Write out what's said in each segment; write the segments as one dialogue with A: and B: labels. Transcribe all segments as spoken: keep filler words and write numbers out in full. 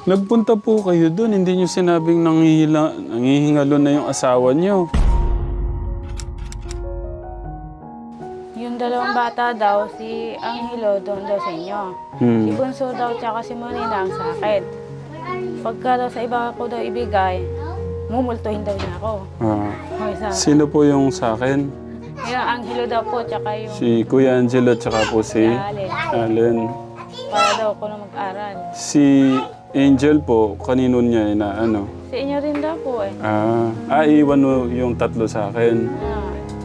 A: Nagpunta po kayo doon, hindi nyo sinabing nangihila, nangihingalo na yung asawa nyo.
B: Yung dalawang bata daw, si Angelo doon daw sa inyo.
A: Hmm.
B: Si Bunso daw tsaka si Marina ang sa akin. Pagka daw sa iba ko daw ibigay, mumultuhin daw niya ako.
A: Ah.
B: Hoy, sa
A: Sino po yung sa akin?
B: yung Angelo daw po, tsaka yung
A: Si Kuya Angelo tsaka po si
B: Allen.
A: Allen.
B: Para daw ako na mag-aral.
A: Si Angel po, kanino niya na ano?
B: Si inyo rin daw po eh.
A: Ah, ah iwan mo yung tatlo sa akin.
B: Ah.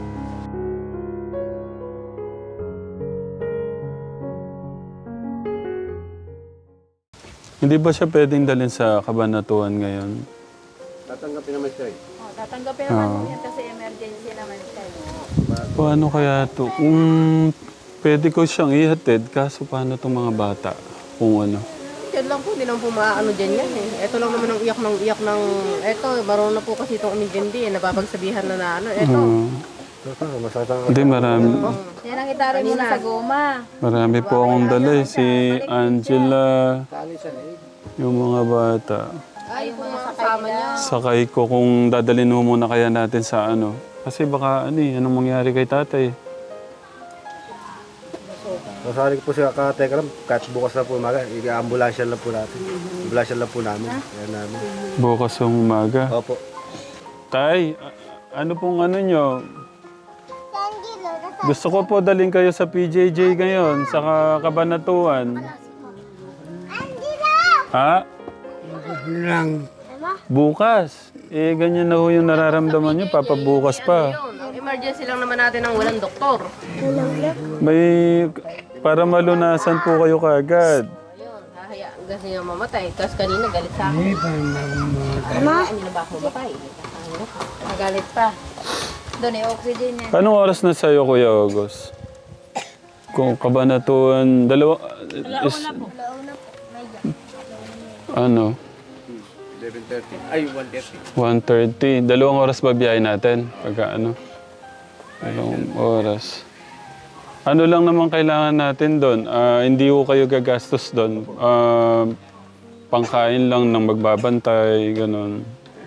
A: Hindi ba siya pwedeng dalhin sa kabanatuan ngayon?
C: Tatanggapin naman siya eh.
B: Oh, tatanggapin
A: naman
B: naman
A: Ah.
B: niya kasi emergency naman siya.
A: Paano kaya to? Kung pwede ko siyang ihatid, kaso paano itong mga bata? Kung ano?
D: Yan lang po, hindi naman po maaano dyan yan eh. Ito lang naman ang iyak ng iyak ng... Ito, marunong na po kasi itong umintindi eh. Napapagsabihan na na ano. Ito.
A: Ah,
C: Masakit ang...
A: hindi, marami.
B: Yan ang itari mo na sa goma.
A: Marami po akong dala eh. Si Angela, yung mga bata.
D: Ay, yung mga kasama niya.
A: Sakay ko kung dadalhin mo muna kaya natin sa ano. Kasi baka ano eh, anong mangyari kay tatay?
C: Masari po siya kateka lang, kahit bukas na po umaga, i-ambulansya lang po natin. Ambulansya lang po namin. Yan namin.
A: Bukas ng umaga.
C: Opo.
A: Tay, a- ano pong ano nyo? Gusto ko po dalhin kayo sa P J J ngayon, sa ka- Kabanatuan. Ha? Bukas. Eh, ganyan na ho yung nararamdaman nyo, papabukas pa.
D: Yun, ang emergency lang naman natin ng walang doktor.
A: May, para malunasan po kayo kagad.
D: Ayun, hahayaan kasi niya mamatay. Tapos kanina galit sa akin. Ama? Ano na ba ako mamatay? Nagalit pa.
B: Doon ay oxygen niya.
A: Anong oras na sa'yo, Kuya August? Kung Kabanatuan, dalawa, is, ano,
C: eleven thirty. Ay, one thirty.
A: one thirty. Dalawang oras ba biyahe natin? Pagka ano? Dalawang oras. Ano lang naman kailangan natin doon? Ah, hindi ko kayo gagastos doon. Ah, pangkain lang ng magbabantay, ganun.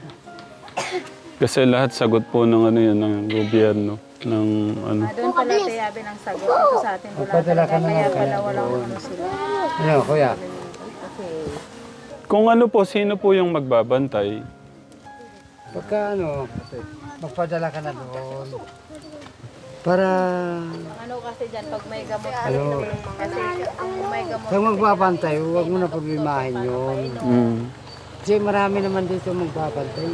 A: Kasi lahat sagot po ng ano yan, ng gobyerno. Ng ano.
B: Ah, doon pala tayabi ng sagot. Ito sa atin wala talaga. Kaya pala walang ano sila.
C: Ano, kuya?
A: Kung ano po, sino po yung magbabantay?
E: Pagka ano, magpadala ka na doon. Para,
B: Ano kasi dyan, pag may gamot,
E: ano,
B: kasi kung may gamot,
E: pag magbabantay, huwag mo na problemahin yun.
A: Mm.
E: Kasi marami naman dito magbabantay.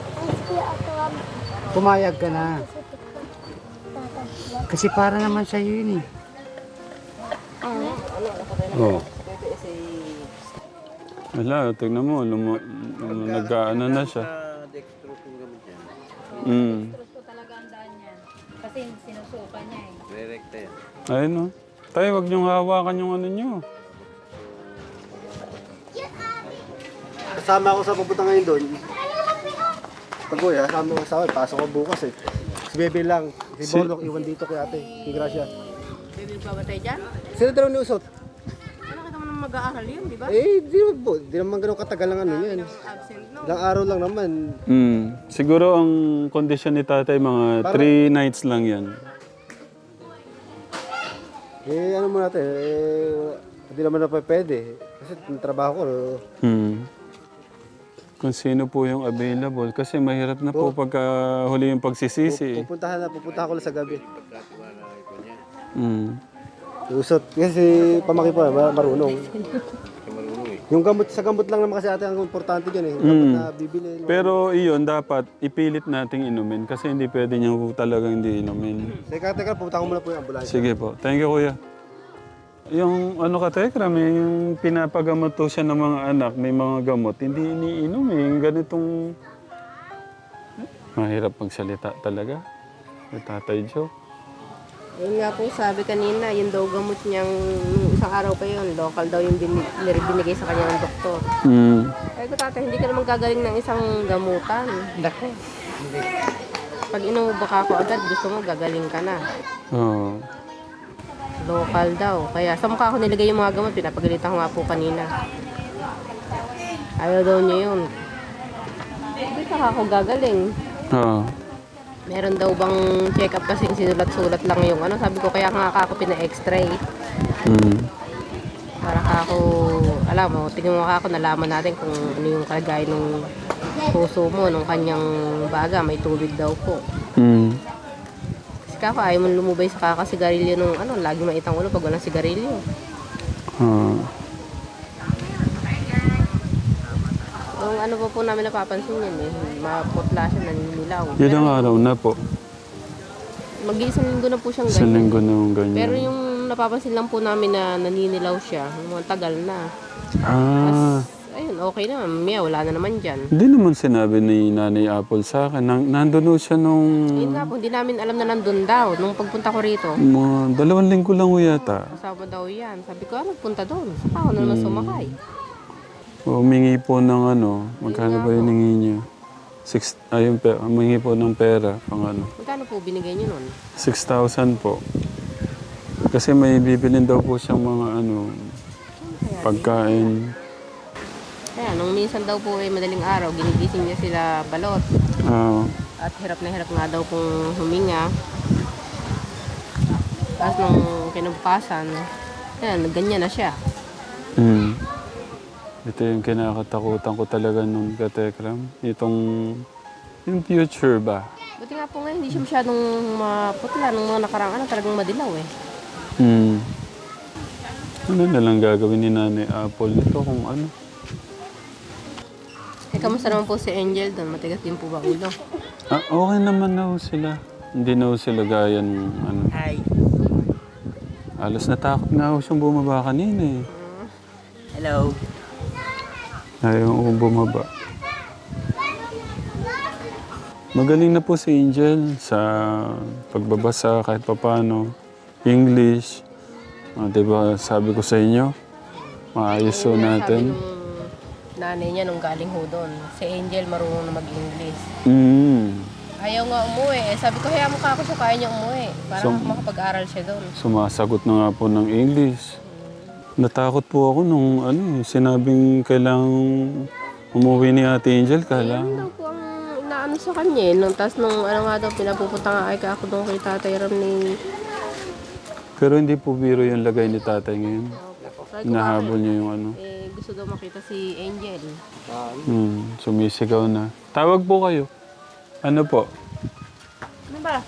E: Pumayag ka na. Kasi para naman sa'yo yun eh. Oh.
A: Wala, tignan mo, lumo, lumo, nag-ano na siya.
C: Dextro po gamit yan.
A: Mm.
B: gusto talaga ang daan yan. Kasi sinusuka niya eh.
C: Direkta yan.
A: Ayun no. Tayo, wag niyong hawakan yung ano niyo.
C: Kasama ako sa pupunta ngayon doon. Pag kuya, kasama ko sa akin, pasok ko bukas eh. Si Bebe lang. Si
A: Si-
C: Borlok, iwan dito kay ate. Si Gracia.
D: Baby, babatay dyan?
C: Sila dalawa ni Usot.
D: Ano kita mo naman mag-aaral yun, di ba?
C: Eh, di naman po. Di naman ganun katagal ang ano yan.
D: Absent, no?
C: Ilang araw lang naman.
A: Mm. Siguro ang kondisyon ni tatay, mga three nights lang yan.
C: Eh, ano mo natin, eh, hindi naman na pa pwede. Kasi yung trabaho ko,
A: Mm. Kung sino po yung available. Kasi mahirap na po pagka huli yung pagsisisi. eh.
C: pupuntahan na, pupuntahan ko lang sa gabi.
A: Mm.
C: Usot, kasi pamaki po, ma- marunong. Yung gamot, sa gamot lang naman kasi ate ang importante dyan eh. Yung gamot
A: Mm.
C: na bibili. no?
A: Pero iyon, dapat ipilit nating inumin. Kasi hindi pwede niya po talagang hindi inumin.
C: Teka, teka, pupunta ko muna po yung ambulansya.
A: Sige po. Thank you, kuya. Yung ano ka, Tekra, may yung pinapagamot to siya ng mga anak, may mga gamot, hindi iniinom eh. Yung ganitong... Mahirap magsalita talaga. Yung Tatay Joe.
D: Yun nga po, sabi kanina, yung daw gamot niyang nung isang araw pa yun, local daw yung bin, binigay sa kanya ng doktor.
A: Mm.
D: Sabi ko, tatay, hindi ka naman gagaling ng isang gamutan.
E: Dako.
D: Pag inubaka ko agad, gusto mo gagaling ka na.
A: Oh.
D: Local daw. Kaya sa mukha ko nilagay yung mga gamot, pinapagalitan ko nga po kanina. Ayaw daw niya yun. Hindi pa ako gagaling.
A: Oo.
D: Meron daw bang check-up kasi sinulat-sulat lang yung ano. Sabi ko, kaya nga ako pina-x-ray.
A: Mm.
D: Para ako, alam mo, tingnan mo ako, nalaman natin kung ano yung kalagay ng puso mo, nung kanyang baga, may tubig daw po.
A: Mm.
D: Kasi kako, ayaw mo lumubay sa kakasigarilyo nung ano, lagi maitang ulo pag walang sigarilyo.
A: Oo.
D: Nung ano po po namin napapansin yan eh, maputla siya, naninilaw.
A: Ilang araw na po?
D: Mag-iisang linggo na po siyang
A: Sa
D: ganyan.
A: linggo na yung ganyan.
D: Pero yung napapansin lang po namin na naninilaw siya, yung mga tagal na.
A: Ah,
D: Ayun, okay na, Mia, wala na naman dyan.
A: hindi naman sinabi ni Nanay Apple sa akin. Nang, nandun ho siya nung
D: Yun nga po, hindi namin alam na nandun daw. Nung pagpunta ko rito,
A: mga dalawang linggo lang ho yata.
D: kasama daw yan. Sabi ko, ano, punta doon. Saka ako na naman sumakay.
A: Humingi po ng ano, magkano ba yung hingi niya? Six, ayun, pe, humingi po ng pera, pang ano.
D: Magkano po binigay niyo nun?
A: six thousand po. Kasi may bibilin daw po siyang mga ano, pagkain.
D: Kaya, nung minsan daw po eh, madaling araw, ginigising niya sila balot.
A: Ah,
D: At hirap na hirap nga daw kung huminga. Tapos nung kinabukasan, yan, ganyan na siya.
A: mm. Ito yung kinakatakutan ko talaga nung katekram. Itong, yung future ba?
D: Buti nga po ngayon, hindi siya masyadong maputla. Nung mga nakarang ano, talagang madilaw eh.
A: Hmm. Ano na lang gagawin ni Nanay Apple nito kung ano?
D: Eh, kamusta naman po si Angel doon? Matigas din po ba ulo?
A: Ah, okay naman na ho sila. Hindi na ho sila gaya ng ano.
E: Hi.
A: Alas natakot nga ho siyang bumaba kanina eh.
E: Hello.
A: Ayaw ko bumaba. Magaling na po si Angel sa pagbabasa kahit papano. English. Ah, diba sabi ko sa inyo, maayos ho
D: Sabi
A: natin.
D: nung nanay niya nung galing ho doon, si Angel marunong na mag-English.
A: Mm.
D: Ayaw nga umuwi eh. Sabi ko, hayaan mo ka ako siya, kaya niya umuwi. Para
A: So-
D: makapag-aral siya doon.
A: Sumasagot na nga po ng English. Natakot po ako nung ano, eh, sinabing kailangang umuwi ni Ate Angel.
D: Ano
A: Kailangan.
D: daw po ang inaano sa kanya eh. Nung, tas nung ano nga daw, pinapupunta nga ay ka ako doon kay Tatay Ram ni...
A: Pero hindi po biro yung lagay ni tatay ngayon.
D: Sabi ko,
A: Nahabol niya yung ano.
D: eh, gusto daw makita si Angel.
A: Hmm, sumisigaw na. Tawag po kayo. Ano po?
B: Ano ba?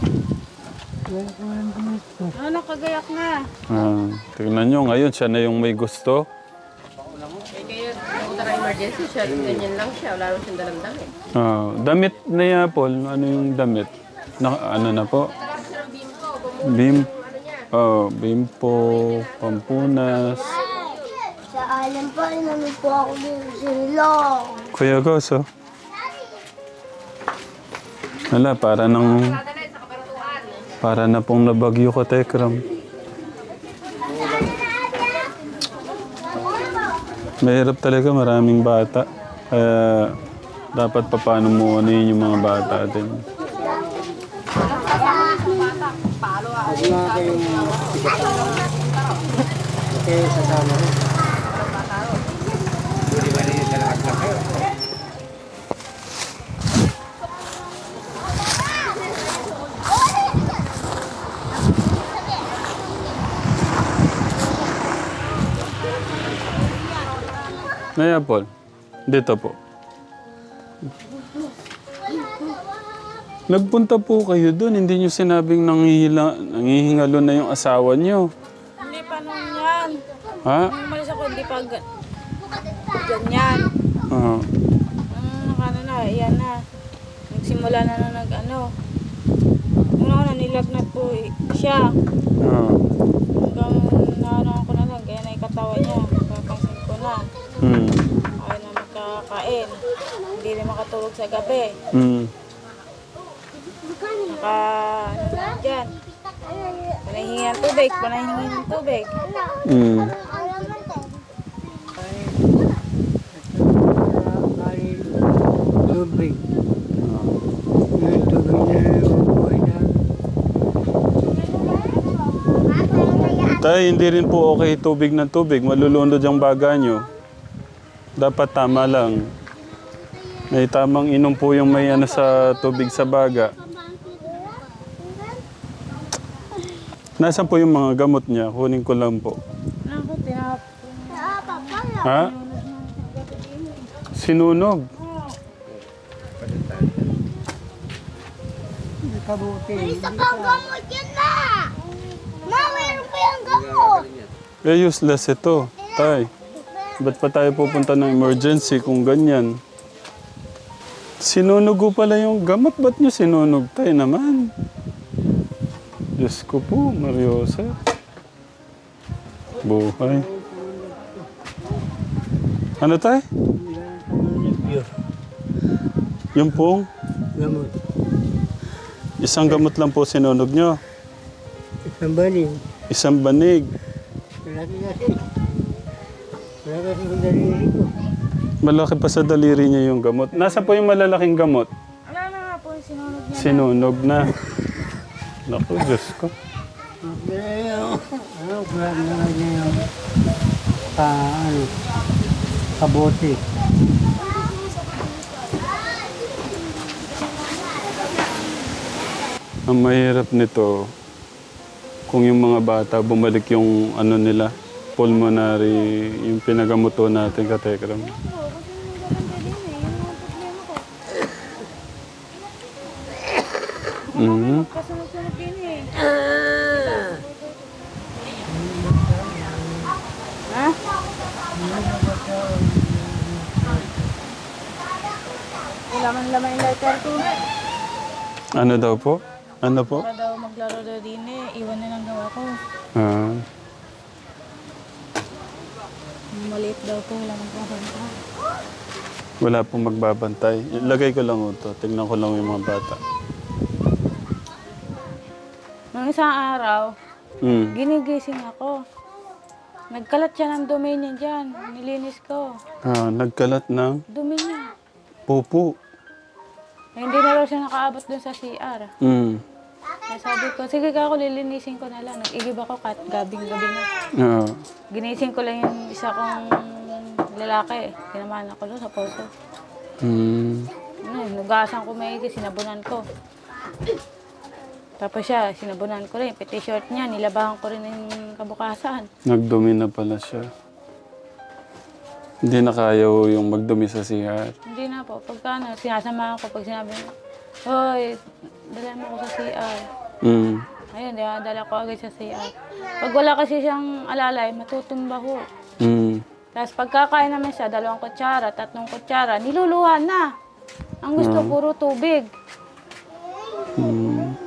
B: Ano, nakagayak na.
A: Ah, tingnan nyo, ngayon siya na yung may gusto.
D: Eh, kaya pumunta na emergency siya, ganyan lang siya. Wala naman siyang dalang damit.
A: Ah, damit na yan, Paul. Ano yung damit? Na, ano na po? Bim. Oh, bimpo, pampunas.
F: Sa alam pa, namin po ako din sila.
A: Kuya Gus, oh. Wala, para nang... Para na pong nabagyo ka, Tekram. Mahirap talaga, maraming bata. Kaya dapat pa paano mo ano yun yung mga bata din.
E: Huwag na kayong... Okay, sasama rin.
A: Naya, Paul. Dito po. Nagpunta po kayo doon. Hindi nyo sinabing nangihila, nangihingalo na yung asawa nyo.
B: Hindi pa nung yan.
A: Ha?
B: Nung umalis ako, hindi pa ga- ganyan.
A: Ah.
B: Nung ano na, yan na. Nagsimula na na nag ano. Una-una nilagnat po eh, siya.
A: Ah.
B: Hanggang naano ko na lang, kaya na yung katawan niya. Papansin ko na.
A: Hmm.
B: Ayaw na magkakain. Hindi na makatulog sa gabi.
A: Hmm.
B: Naka, ano na dyan. Panahingi ng tubig, panahingi ng tubig.
A: Hmm.
E: Kanin, tubig. Yung tubig na buhay na.
A: Tay, hindi rin po okay tubig ng tubig. Malulunod yung baga nyo. Dapat tama lang. May tamang inom po yung may ano sa tubig sa baga. Nasaan po yung mga gamot niya? Kunin ko lang po.
B: Naku, tinap.
A: Ha? Sinunog.
E: Kabuti.
F: Isa pang gamot yan na! Ma, mayroon pa yung gamot!
A: Eh, useless ito. Tay, ba't pa tayo pupunta ng emergency kung ganyan? Sinunog ko pala yung gamot. Ba't nyo sinunog? Tay naman. Diyos ko po, Mariosa. Buhay. Ano tay? Yung pong,
E: Gamot.
A: isang gamot lang po sinunog nyo.
E: Isang baling.
A: Isang banig.
E: Malaki kasi. Malaki kasi yung daliri ko.
A: Malaki pa sa daliri niya yung gamot. Nasa po yung malalaking gamot?
B: Wala na nga po, sinunog niya.
A: Sinunog na. Naku, Diyos ko.
E: Pero, ano, grab na nga niya yung pa, ano, kabuti.
A: Ang mahirap nito, kung yung mga bata bumalik yung ano nila, pulmonary, yung pinagamuto natin katekram. Mhm.
B: Kasunod-sunod din eh. Ha? Laman-laman yung lighter ko.
A: Ano daw po? Ano po?
B: Para daw maglaro daw din eh. Iwan na lang daw ako.
A: Ah,
B: Maliit daw po, wala magpapanta.
A: wala pong magbabantay. Ilagay ko lang ito. Tingnan ko lang yung mga bata.
B: Nung isang araw,
A: Mm.
B: ginigising ako. Nagkalat siya ng dumi niya dyan. Nilinis ko.
A: Ah, nagkalat ng
B: Dumi niya.
A: pupo.
B: Eh, hindi na raw siya nakaabot dun sa C R.
A: Mm.
B: Kaya sabi ko, sige ka ako, lilinisin ko na lang. Nag-igib ako kahit gabing-gabi na.
A: Ah.
B: Ginising ko lang yung isa kong lalaki. Kinamahan ako doon sa posto.
A: Mm.
B: Ano, nugasan ko maigi, sinabunan ko. Tapos siya, sinabunan ko rin. Piti short niya, nilabahan ko rin yung kabukasan.
A: Nagdumi na pala siya. Hindi na kaya ho yung magdumi sa C R.
B: Hindi na po. Pagka ano, sinasamahan ko pag sinabi niya, hoy, dala mo ako sa C R.
A: Mm.
B: Ayun, di ba, dala ko agad sa C R. Pag wala kasi siyang alalay, matutumba ho.
A: Mm.
B: Tapos pagkakain naman siya, dalawang kutsara, tatlong kutsara, niluluhan na. Ang gusto, puro tubig.
A: Mm.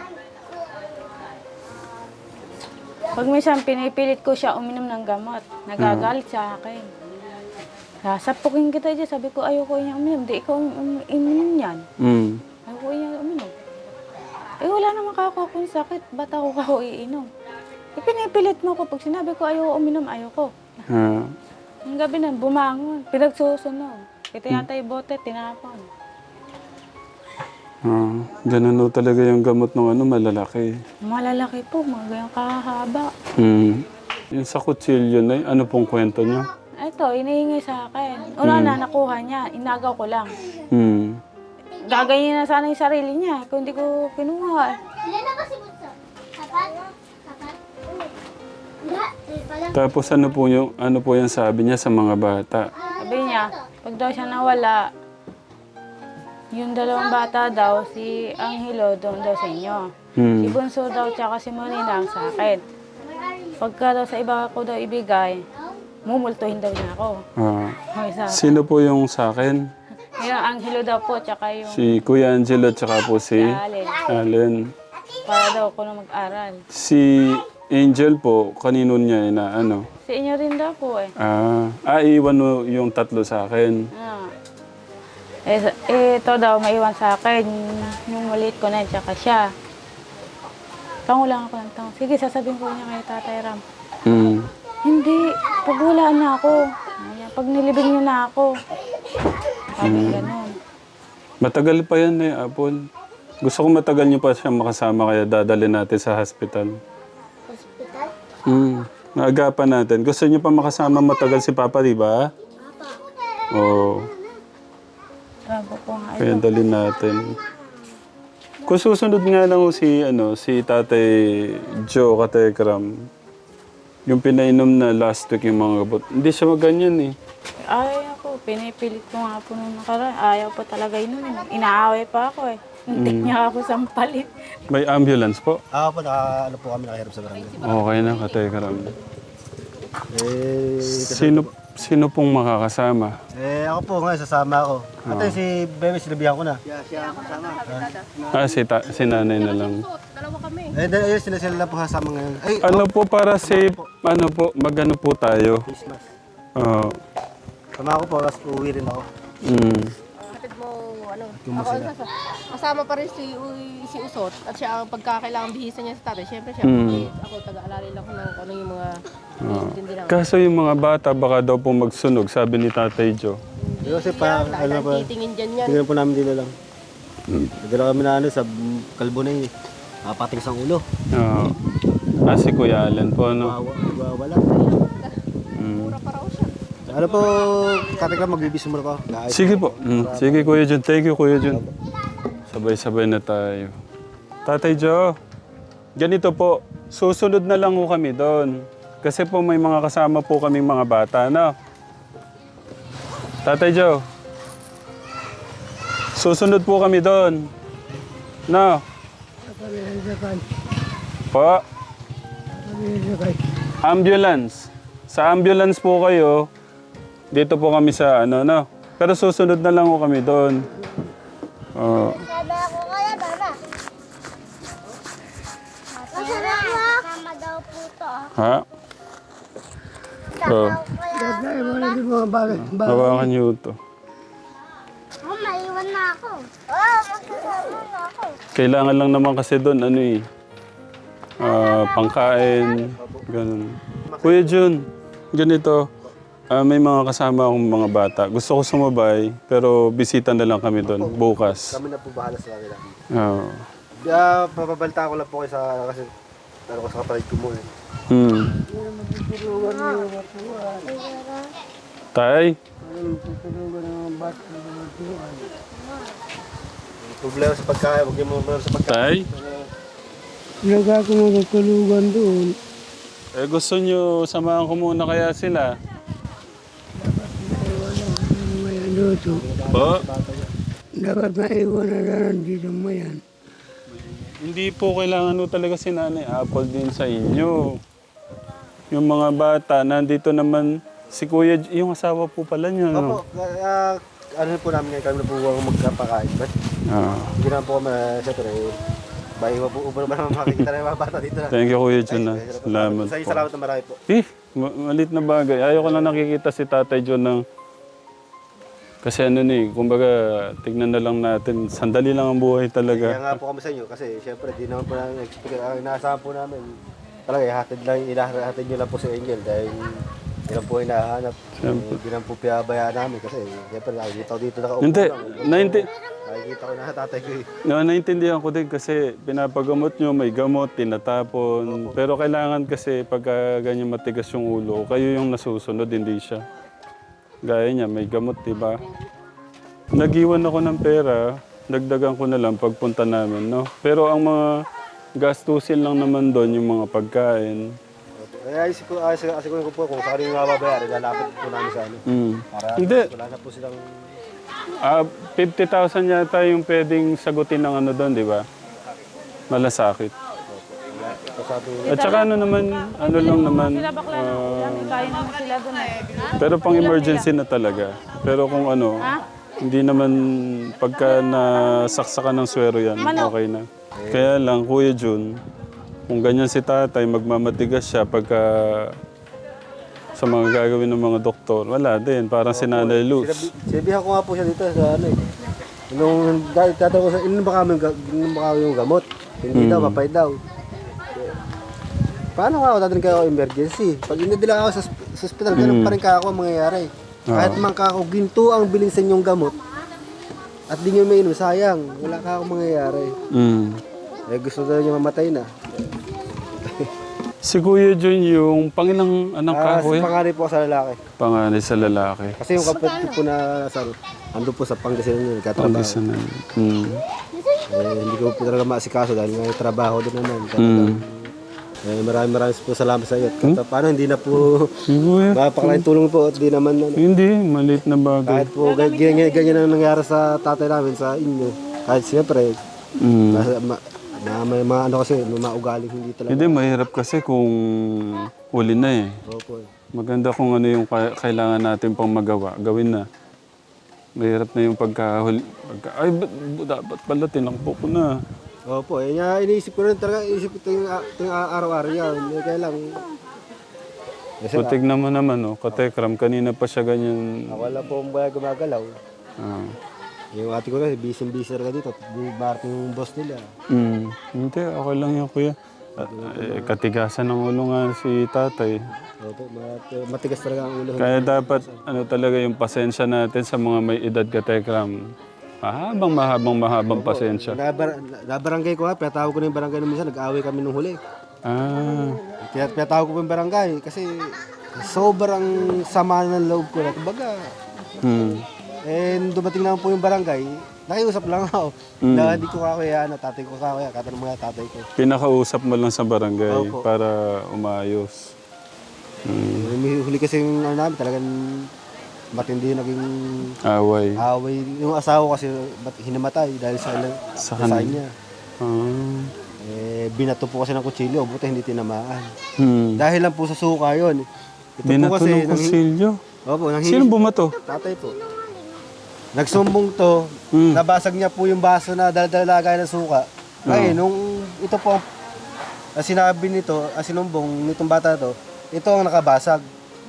B: Pag minsan pinipilit ko siya uminom ng gamot, nagagalit sa akin. Sasapukin kita dyan, sabi ko ayoko niya uminom, di ikaw um, uminom yan.
A: Mm.
B: Ayoko niya uminom. Eh wala naman kako akong sakit, ba't ako kako iinom? Eh pinipilit mo ko, pag sinabi ko ayoko uminom, ayoko.
A: Ah.
B: Ang gabi na, bumangon, pinagsusunog. Ito yata yung bote, tinapon.
A: Ah. Ganun ho talaga yung gamot ng ano, malalaki.
B: Malalaki po, mga ganyang kahaba.
A: Mm. Yung sa kutsilyo na yun, ano pong kwento niya?
B: Ito, inihingi sa akin. Una na, nakuha niya, inagaw ko lang.
A: Mm.
B: Gaganyan na sana yung sarili niya, kung hindi ko kinuha.
F: Ilan na ba si Bunso? Apat? Apat? Hindi, eh, pala.
A: Tapos ano po yung ano po yung sabi niya sa mga bata?
B: Sabi niya, pag daw siya nawala, yung dalawang bata daw, si Angelo doon daw sa inyo.
A: Hmm.
B: Si Bunso daw, tsaka si Molina ang sa akin. Pagka daw sa iba ko daw ibigay, mumultuhin daw niya ako.
A: Ah.
B: Okay, sa
A: Sino po yung sa akin?
B: yung Angelo daw po, tsaka yung
A: Si Kuya Angelo tsaka po si
B: Allen.
A: Allen.
B: Para daw ako na mag-aral.
A: Si Angel po, kanino niya na ano?
B: Si inyo rin daw po eh.
A: Ah, ah iwan mo yung tatlo sa akin.
B: Ah. Eh, sa- eh, ito daw maiwan sa akin. Yung maliit ko na, tsaka siya. Tango lang ako ng tango. Sige, sasabihin ko niya kay Tatay Ram.
A: Hmm.
B: Hindi, paghulaan na ako. Ayan, pag nilibing niyo na ako. Sabi ganun.
A: Matagal pa yan eh, Apple. Gusto ko matagal niyo pa siya makasama kaya dadalhin natin sa hospital.
F: Hospital?
A: Hmm. Naagapan natin. Gusto niyo pa makasama matagal si Papa, di ba?
F: Papa.
A: Oo.
B: Sabi ko nga,
A: Kaya dalhin natin. Kung susunod nga lang ho si, ano, si Tatay Joe Katekram, yung pinainom na last week yung mga gabot, hindi siya maganyan eh.
B: ayaw ko, pinipilit ko nga po nung nakaraan. Ayaw po talaga yun. Inaaway pa ako eh. Hindi niya ako sampalit.
A: May ambulance po?
C: Ako po, naka, ano po kami nakahirap sa barangay.
A: Okay na, Katekram.
C: Eh,
A: Sino, sino pong makakasama?
C: eh ako po ngayon, sasama ako. Ate, si Bebe, sinabihan ko na.
A: Ah, si, ta- si nanay na lang.
D: Dalawa kami.
C: Eh, dahil ayun, sila sila lang po sasama ngayon. Ay,
A: Ano po para safe, ano po, magano po tayo?
C: Christmas.
A: Oo.
C: Sama ako po, tapos uuwi rin ako.
A: Mm.
D: Hatid mo, ano, ako, sasa- kasama pa rin si, Uy- si Usot at siya ang pagkakailangan bihisa niya sa tatay. Siyempre siya,
A: Mm.
D: eh, ako taga-alala lang ko ng kung ano yung mga hindi naman.
A: Kaso yung mga bata, baka daw po magsunog, sabi ni Tatay Joe.
C: Pero kasi pa, ano
D: Dahil
C: pa,
D: titingin dyan yan.
C: tingnan po namin dito lang. Nagdala kami na ano, sa kalbo na yun. Nakapating sa ulo.
A: Oo. Ah, si Kuya Allen po, ano?
C: Wawa, wala.
A: Mm.
D: Mura pa raw siya.
C: Ano po, katik lang, magbibis muna ko. Naayos.
A: Sige po. Mm. Sige, Kuya Jun. Thank you, Kuya Jun. Sabay-sabay na tayo. Tatay Joe, ganito po. Susunod na lang ho kami doon. Kasi po may mga kasama po kaming mga bata, no? Tatay Joe, susunod po kami doon. No? Po? Ambulance. Sa ambulance po kayo, dito po kami sa ano, no? Pero susunod na lang ho kami doon. Oh.
F: Sabi ako kaya, Dana. Masarap na. Tama daw po to. ah.
A: Ha? Oh.
F: Kaya,
E: Dahil mo na din mga bagay.
A: Hawakan niyo ito.
F: oh, maiwan na ako. Oh, magsasama na ako.
A: Kailangan lang naman kasi doon, ano eh, ah, pangkain, ganun. Kuya Jun, ganito, ah, may mga kasama akong mga bata. Gusto ko sumabay, pero bisita na lang kami doon, bukas.
C: Kami na po bahala sa kanila.
A: Oo.
C: Uh, papabalita ko lang po kayo sa, kasi, ano ko sa kapatid ko mo eh.
A: Hmm. Tay?
C: Problema sa pagkain, huwag niyo mo problema sa pagkain.
A: Tay?
E: Naga ko magkatulugan doon.
A: Eh gusto nyo, samahan ko muna kaya sila.
E: May ano to.
A: Po?
E: Dapat maiwan na lang dito mo yan.
A: Hindi po kailangan no talaga si Nanay Apple din sa inyo. Yung mga bata, nandito naman si Kuya, J- yung asawa po pala niya, no?
C: Opo, uh, ano po namin ngayon, kami na po huwag magkapakain. But,
A: Ah.
C: hindi naman po kami, siyempre, bahay mo po, ubo naman naman makikita na yung mga bata dito na.
A: Thank you, Kuya Jun. ah.
C: Ay,
A: Salamat
C: Sa
A: po.
C: salamat na marami po.
A: Eh, ma- malit na bagay. Ayaw ko lang nakikita si Tatay John ng... Kasi ano ni, kumbaga, tignan na lang natin. Sandali lang ang buhay
C: Kaya
A: talaga.
C: nga po kami sa inyo, kasi siyempre, di naman po namin expect, ang inaasahan po namin, talaga, ihatid lang, ilahatid nyo lang po si Angel dahil yun lang po hinahanap.
A: Siyempre.
C: Hindi lang po pinabayaan namin kasi siyempre nakikita ko dito nakaupo
A: Hindi,
C: lang.
A: nainti-
C: Nakikita ko na tatay ko eh.
A: no, naintindihan ko din kasi pinapagamot nyo, may gamot, tinatapon. Pero kailangan kasi pagka ganyan matigas yung ulo, kayo yung nasusunod, hindi siya. Gaya niya, may gamot, diba? Nag-iwan ako ng pera, dagdagan ko na lang pagpunta namin, no? Pero ang mga gastusin lang naman doon, yung mga pagkain.
C: Kaya isip ko, asik ko po kung saan yung mababayaran, lalapit po namin sa ano.
A: Mm.
C: Para
A: Hindi.
C: wala na po silang...
A: Ah, fifty thousand yata yung pwedeng sagutin ng ano doon, di ba? Malasakit.
C: So, sabi,
A: At saka ano naman, ano lang naman,
B: Sila bakla na ulam, kaya naman sila doon. eh.
A: pero pang emergency na talaga. Pero kung ano, hindi naman pagka nasaksakan ng swero yan, okay na. Kaya lang, Kuya Jun, kung ganyan si tatay, magmamatigas siya pagka sa mga gagawin ng mga doktor, wala din, parang si Nanay Luz.
C: sinabi, sinabihan ko nga po siya dito sa ano eh. Nung dahil tatanong ko sa, ilan ba kami, ilan ba kami yung gamot? Hindi daw, papay daw. Paano nga ako dadalhin kayo emergency? Pag inadala ako sa, sa hospital, ganun pa rin ka ako ang mangyayari. Kahit man ka ako, ginto ang bilhin sa inyong gamot. At di nyo may inom, sayang. Wala ka akong mangyayari.
A: Mm.
C: Eh gusto daw niya mamatay na.
A: Si Kuya John, yung pangilang anak ka,
C: Ah, si
A: Kuya?
C: panganay po sa lalaki.
A: Panganay sa lalaki.
C: Kasi yung kapatid ko po na sa ando po sa Pangasinan yun, nagkatrabaho.
A: Pangasinan. Hmm.
C: Eh, hindi ko po talaga maasikaso dahil may trabaho din naman.
A: Hmm.
C: Talagang, eh, maraming maraming po salamat sa iyo. At paano hindi na po
A: Si Kuya?
C: mapakalain tulong po at di naman ano.
A: Hindi, maliit na bagay.
C: Kahit po ga- ganyan, ganyan ang nangyari sa tatay namin sa inyo. Kahit siyempre,
A: Hmm.
C: nasa- ma, na may mga ano kasi, may mga ugaling hindi talaga.
A: Hindi, mahirap kasi kung huli na eh.
C: Opo.
A: Maganda kung ano yung ka- kailangan natin pang magawa. Gawin na. Mahirap na yung pagkahuli. Pagka, ay, ba't, ba't dapat pala tinakbo ko na.
C: Opo, eh, nga, iniisip ko rin talaga, iniisip ko ito yung, ito yung araw-araw yan. Eh, kaya lang, eh,
A: So, tignan mo naman, oh, katekram, kanina pa siya ganyan.
C: ako lang po ang baya gumagalaw.
A: Ah.
C: Yung ate ko kasi, busy-busy talaga dito. Di barating yung boss nila.
A: Mm. Hindi, okay lang yun, kuya. At, eh, katigasan ng ulo nga si tatay.
C: Opo, mat- matigas talaga ang ulo.
A: Kaya dapat, ano talaga yung pasensya natin sa mga may edad katekram. Mahabang, mahabang, mahabang pasensya.
C: Nabar nabarangay ko nga, pinatawag ko na yung barangay nung minsan, nag-away kami nung huli.
A: Ah.
C: Kaya pinatawag ko pa yung barangay kasi sobrang sama ng loob ko na. Kumbaga,
A: Hmm.
C: eh, nung dumating naman po yung barangay, nakiusap lang ako.
A: Mm.
C: Na hindi ko kakaya, na tatay ko kakaya, katanong mga tatay ko.
A: Pinakausap mo lang sa barangay
C: Opo.
A: para umayos. Hmm.
C: Eh, huli kasi yung ano namin, talagang matindi yung naging
A: Away.
C: away. Yung asawa kasi ba't hinamatay dahil sa,
A: Sa
C: sa
A: kanya.
C: niya.
A: Ah.
C: Eh, binato po kasi ng kutsilyo, buti hindi tinamaan.
A: Hmm.
C: Dahil lang po sa suka yun. Ito
A: Di na
C: po
A: to
C: kasi,
A: ng kusilyo.
C: opo, nang
A: Sino bumato?
C: tatay po. Nagsumbong to,
A: Hmm.
C: nabasag niya po yung baso na dala-dala ng suka. Ay, nung ito po, ang sinabi nito, ang sinumbong nitong bata to, ito ang nakabasag.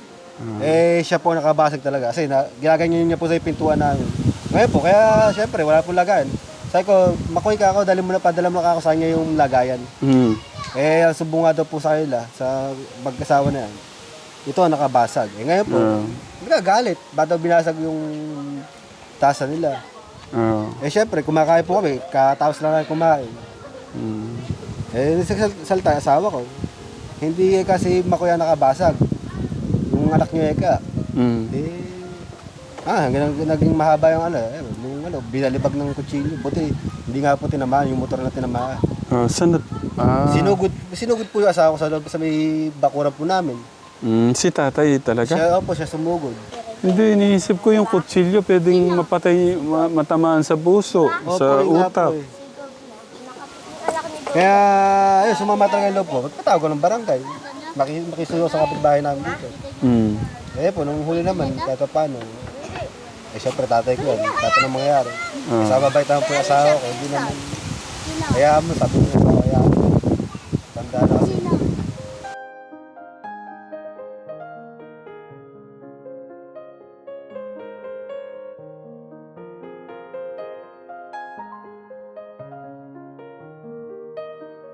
C: Eh, siya po ang nakabasag talaga. Kasi na, ginaganyan niya po sa pintuan namin. Ngayon po, kaya syempre, wala po lagayan. Sabi ko, makoy ka ako, dali mo na, padala mo na ako sa kanya yung lagayan.
A: Hmm.
C: Eh, ang sumbong nga daw po sa kanila, sa magkasawa na yan, ito ang nakabasag. Eh, ngayon po,
A: Ah.
C: nagagalit. Ba't daw binasag yung tasa nila?
A: Ah.
C: Eh, syempre, kumakain po kami. Katapos lang kami kumain.
A: Hmm.
C: Eh, nagsasalta, asawa ko. Hindi eh, kasi makuya nakabasag. Yung anak niya eka.
A: Hmm.
C: Eh, ah, hanggang naging mahaba yung ano. Eh, yung ano, binalibag ng kutsilyo. Buti, hindi nga po tinamaan, yung motor na tinamaan.
A: Ah, saan na? Ah.
C: Sinugod, sinugod po yung asawa ko sa loob sa may bakuran po namin.
A: Hmm, si tatay talaga?
C: Siya, opo, siya sumugod.
A: Hindi, iniisip ko yung kutsilyo pwedeng mapatay, ma- matamaan sa puso,
C: Opo,
A: sa
C: yun nga
A: utak.
C: po eh. Kaya, ayun, sumama talaga yung loob ko. Magpatawag ko ng barangay. Maki, makisuyo sa kapitbahay namin dito.
A: Hmm.
C: Eh po, nung huli naman, kahit pa paano, eh syempre tatay ko yan, kahit anong mangyayari.
A: Ah.
C: Sa mabait naman po yung asawa ko, hindi naman, kaya mo, sabi niya, kaya mo, tanda na kasi.